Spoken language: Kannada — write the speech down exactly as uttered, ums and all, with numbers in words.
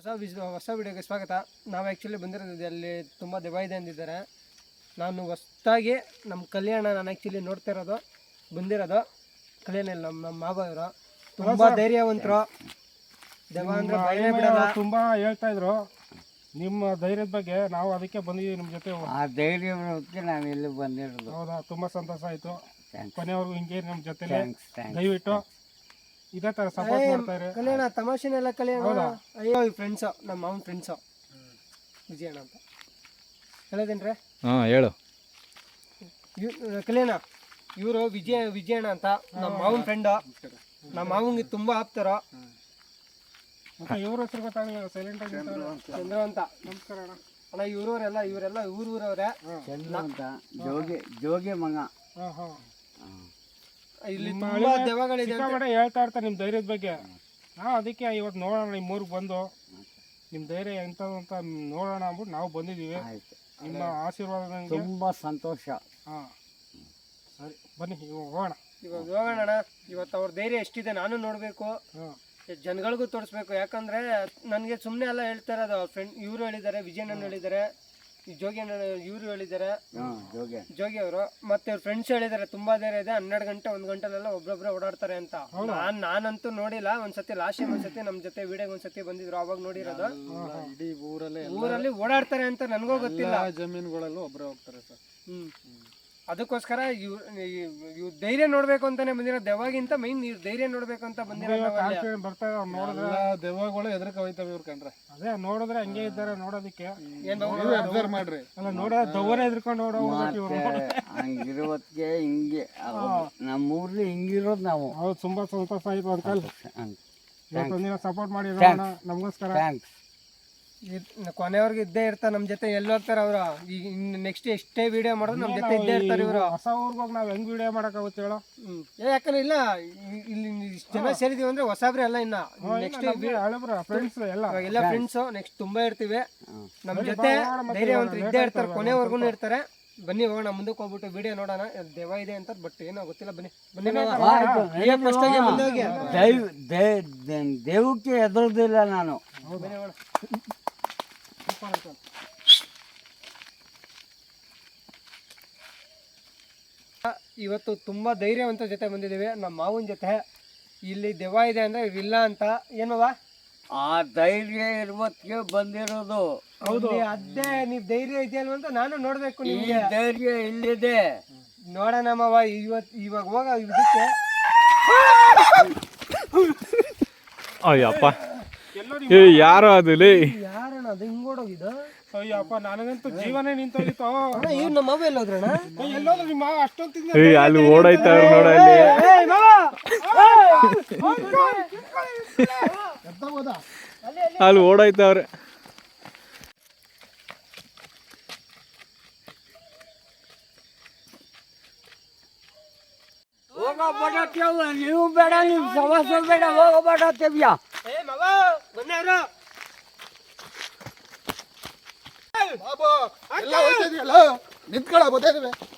ವಿಸ್ ಹೊಸ ವಿಡಿಯೋಗೆ ಸ್ವಾಗತ. ನಾವು ಆ್ಯಕ್ಚುಲಿ ಬಂದಿರೋದು ಅಲ್ಲಿ ತುಂಬ ದೆವ್ವ ಇದೆ ಅಂದಿದ್ದಾರೆ. ನಾನು ಹೊಸ್ದಾಗಿ ನಮ್ಮ ಕಲ್ಯಾಣ ನಾನು ಆ್ಯಕ್ಚುಲಿ ನೋಡ್ತಾ ಇರೋದು ಬಂದಿರೋದು ಕಲ್ಯಾಣ ಇಲ್ಲ ನಮ್ಮ ನಮ್ಮ ಮಾವ ಇವರು ತುಂಬ ಧೈರ್ಯವಂತರು. ದೆವ್ವ ಅಂದರೆ ಭಯನೇ ಬಿಡಲ್ಲ. ತುಂಬ ಹೇಳ್ತಾ ಇದ್ರು ನಿಮ್ಮ ಧೈರ್ಯದ ಬಗ್ಗೆ. ನಾವು ಅದಕ್ಕೆ ಬಂದಿದ್ದೀವಿ ನಿಮ್ಮ ಜೊತೆ. ಆ ಧೈರ್ಯಕ್ಕೆ ನಾವು ಇಲ್ಲಿ ಬಂದಿರೋದು. ಹೌದಾ, ತುಂಬ ಸಂತೋಷ ಆಯಿತು. ಕೊನೆಯವ್ರಿಗೂ ಹಿಂಗೆ ನಮ್ಮ ಜೊತೆ ದಯವಿಟ್ಟು ಇದೇ ಥರ ಸಪೋರ್ಟ್ ಮಾಡ್ತಾ ಇರಿ. ಕಲ್ಯಾಣ ತಮಾಷೆನೆಲ್ಲ ಕಲ್ಯಾಣ. ಅಯ್ಯೋ ಈ ಫ್ರೆಂಡ್ಸು ನಮ್ಮ ಮಾವನ ಫ್ರೆಂಡ್ಸು ವಿಜಯಣ್ಣ ಅಂತ ಹೇಳೋದೇನ್ರಿ? ಹಾಂ ಹೇಳು. ಕಲ್ಯಾಣ ಇವರು ವಿಜಯ ವಿಜಯಣ್ಣ ಅಂತ ನಮ್ಮ ಮಾವನ ಫ್ರೆಂಡು. ನಮ್ಮ ಮಾವಂಗೆ ತುಂಬ ಆಪ್ತಾರ. ಇವ್ರ ಹೆಸರು ಗೊತ್ತಾಗಲಿಲ್ಲ, ಸೈಲೆಂಟ್ ಆಗಿ ಚಂದ್ರ ಅಂತ. ನಮಸ್ಕಾರ ಅಣ್ಣ. ಅಣ್ಣ ಇವ್ರವರೆಲ್ಲ ಇವರೆಲ್ಲ ಊರು ಊರವ್ರೆ. ಚಂದ್ರ ಅಂತ ಜೋಗಿ ಜೋಗಿ ಮಗ. ಹಾಂ ಹಾಂ ಇಲ್ಲಿ ತುಂಬಾ ದೆವ್ವಗಳಿದೆ ಅಂತ ಹೇಳ್ತಾ ಇರ್ತಾರೆ ನಿಮ್ಮ ಧೈರ್ಯದ ಬಗ್ಗೆ. ನಾವು ಅದಕ್ಕೆ ಇವತ್ತು ನೋಡೋಣ ನಿಮ್ಮ ಊರಿಗೆ ಬಂದು ನಿಮ್ಮ ಧೈರ್ಯ ಎಂಥದ್ದು ಅಂತ ನೋಡೋಣ ಅಂದ್ಬಿಟ್ಟು ನಾವು ಬಂದಿದ್ದೀವಿ. ನಿಮ್ಮ ಆಶೀರ್ವಾದ ತುಂಬ ಸಂತೋಷ. ಹಾಂ ಸರಿ ಬನ್ನಿ ಇವಾಗ ಹೋಗೋಣ. ಇವಾಗ ಹೋಗೋಣ. ಇವತ್ತು ಅವ್ರ ಧೈರ್ಯ ಎಷ್ಟಿದೆ ನಾನು ನೋಡಬೇಕು, ಜನಗಳಿಗೂ ತೋರಿಸ್ಬೇಕು. ಯಾಕಂದ್ರೆ ನನಗೆ ಸುಮ್ಮನೆ ಎಲ್ಲ ಹೇಳ್ತಾ ಇರೋದು. ಅವ್ರ ಫ್ರೆಂಡ್ ಇವರು ಹೇಳಿದ್ದಾರೆ, ವಿಜಯಣ್ಣ ಹೇಳಿದ್ದಾರೆ, ಈ ಜೋಗಿ ಅಣ್ಣ ಇವರು ಹೇಳಿದ್ದಾರೆ, ಜೋಗಿ ಅವರು ಮತ್ತೆ ಅವ್ರ ಫ್ರೆಂಡ್ಸ್ ಹೇಳಿದ್ದಾರೆ ತುಂಬಾ ಧೈರ್ಯ ಇದೆ, ಹನ್ನೆರಡು ಗಂಟೆ ಒಂದ್ ಗಂಟೆಲೆಲ್ಲ ಒಬ್ಬೊಬ್ರೆ ಓಡಾಡ್ತಾರೆ ಅಂತ. ನಾನ್ ನಾನಂತೂ ನೋಡಿಲ್ಲ. ಒಂದ್ಸತಿ ಲಾಸ್ಟ್ ಟೈಮ್ ಒಂದ್ಸತಿ ನಮ್ ಜೊತೆ ವಿಡಿಯೋ ಒಂದ್ಸತಿ ಬಂದಿದ್ರು, ಅವಾಗ ನೋಡಿರೋದು. ಇಡೀ ಊರಲ್ಲಿ ಊರಲ್ಲಿ ಓಡಾಡ್ತಾರೆ ಅಂತ ನನ್ಗೂ ಗೊತ್ತಿಲ್ಲ. ಜಮೀನುಗಳಲ್ಲೂ ಒಬ್ಬರೇ ಹೋಗ್ತಾರೆ ಸರ್. ಹ್ಮ್ ಅದಕ್ಕೋಸ್ಕರ ಇವ್ ಇವ್ ಧೈರ್ಯ ನೋಡ್ಬೇಕು ಅಂತಾನೆ ಬಂದಿರೋ. ದೆವ್ವಾಗಿಂತ ಮೈನ್ ಇವ್ ಧೈರ್ಯ ನೋಡ್ಬೇಕು ಅಂತ ಬಂದಿರೋ. ಬರ್ತಾ ನೋಡಿದ್ರೆ ದೆವ್ವಗಳು ಎದ್ರಕ ಹೋಯ್ತವೆ ಇವ್ರ ಕಂಡ್ರೆ. ಅದೇ ನೋಡಿದ್ರೆ ಹಂಗೆ ಇದ್ದಾರೆ ನೋಡೋದಕ್ಕೆ. ಅಬ್ಸರ್ವ್ ಮಾಡ್ರಿ. ಅಲ್ಲ ನೋಡೋ ದವ್ವನೇ ಎದ್ರಕೊಂಡು ನೋಡೋ ಹಂಗಿರೋದಕ್ಕೆ ಹಿಂಗೆ ನಮ್ಮೂರ್ಲಿ ಹಿಂಗಿರೋದು ನಾವು. ಹೌದು, ತುಂಬಾ ಸಂತೋಷ ಆಯ್ತು. ಅದಕ್ಕೆ ಸಪೋರ್ಟ್ ಮಾಡಿ ನಮಗೋಸ್ಕರ. ಕೊನೆಯವ್ರಿಗೆ ಇದ್ದೇ ಇರ್ತಾರೆ ನಮ್ಮ ಜೊತೆ. ಎಲ್ಲಿ ಹೋಗ್ತಾರೆ ಅವರು. ಈಗ ನೆಕ್ಸ್ಟ್ ಎಷ್ಟೇ ವಿಡಿಯೋ ಮಾಡೋದು ನಮ್ಮ ಜೊತೆ ಇದ್ದೇ ಇರ್ತಾರೆ ಇವರು. ಹೊಸ ಊರಿಗೆ ಹೋಗಿ ನಾವು ಹೆಂಗ್ ವಿಡಿಯೋ ಮಾಡಕ್ಕಾಗುತ್ತೆ ಹೇಳೋ? ಯಾಕಂದ್ರೆ ಇಲ್ಲ ಇಲ್ಲಿ ಇಷ್ಟು ಜನ ಸೇರಿದೀವಿ ಅಂದ್ರೆ ಹೊಸಬ್ರೆ ಎಲ್ಲ. ಇನ್ನ ನೆಕ್ಸ್ಟ್ ಫ್ರೆಂಡ್ಸ್ ಎಲ್ಲ ಎಲ್ಲ ಫ್ರೆಂಡ್ಸ್ ನೆಕ್ಸ್ಟ್ ತುಂಬಾ ಇರ್ತೀವಿ ನಮ್ಮ ಜೊತೆ. ಧೈರ್ಯವಂತರು ಇದ್ದೇ ಇರ್ತಾರೆ, ಕೊನೆವರೆಗೂ ಇರ್ತಾರೆ. ಬನ್ನಿ ಹೋಗೋಣ, ಮುಂದಕ್ಕೆ ಹೋಗ್ಬಿಟ್ಟು ವಿಡಿಯೋ ನೋಡೋಣ. ದೆವ್ವ ಇದೆ ಅಂತ ಬಟ್ ಏನೋ ಗೊತ್ತಿಲ್ಲ. ಬನ್ನಿ ಬನ್ನಿ ದೇವಕ್ಕೆ ಎದುರುದಿಲ್ಲ ನಾನು. ಬನ್ನಿ ಹೋಗೋಣ. ಇವತ್ತು ತುಂಬಾ ಧೈರ್ಯವಂತ ಜೊತೆ ಬಂದಿದ್ದೀವಿ, ನಮ್ಮ ಮಾವನ ಜೊತೆ. ಇಲ್ಲಿ ದೆವ್ವ ಇದೆ ಅಂದ್ರೆ ಇಲ್ಲ ಅಂತ ಏನವ ಆ ಧೈರ್ಯ ಇರುವತ್ತಿಗೆ ಬಂದಿರೋದು. ಹೌದು, ಅದೇ ನೀವ್ ಧೈರ್ಯ ಇದೆಯಲ್ವ ಅಂತ ನಾನು ನೋಡ್ಬೇಕು. ನಿಮ್ಗೆ ಧೈರ್ಯ ಇಲ್ಲಿದೆ ನೋಡೋಣ ಮಾವ. ಇವತ್ ಇವಾಗ ಹೋಗ ಇದಕ್ಕೆ. ಅಯ್ಯಪ್ಪ ಯಾರೋ ಅದು ಯಾರಣ್ಣ ಅದು ಹಿಂಗೋಡೋಗಿದ್ದು? ಅಯ್ಯಪ್ಪ ನನಗಂತೂ ಜೀವನೇ ನಿಂತೋಗಿತ್ತು. ಇವ್ ನಮ್ಮ ಮಾವ ಎಲ್ಲೋದ್ರಣ್ಣ? ಎಲ್ಲೋದ್ರು ನಿಮ್ಮ ಮಾವ ಅಷ್ಟೊಂದು ಅಲ್ಲಿ ಓಡಾಯ್ತವ್ರು ನೋಡಲ್ಲಿ. ಅಲ್ಲಿ ಓಡಾಯ್ತವ್ರೆ. ನೀವು ಬೇಡ, ನೀವು ಸಮಸ್ಯೆ ಬೇಡ, ಹೋಗಬೇಡ. ತೆವ್ಯಾ ನಿಂತ್ಕೊಳ್ಳ ಗೊತ್ತಾಯ್ತವೆ.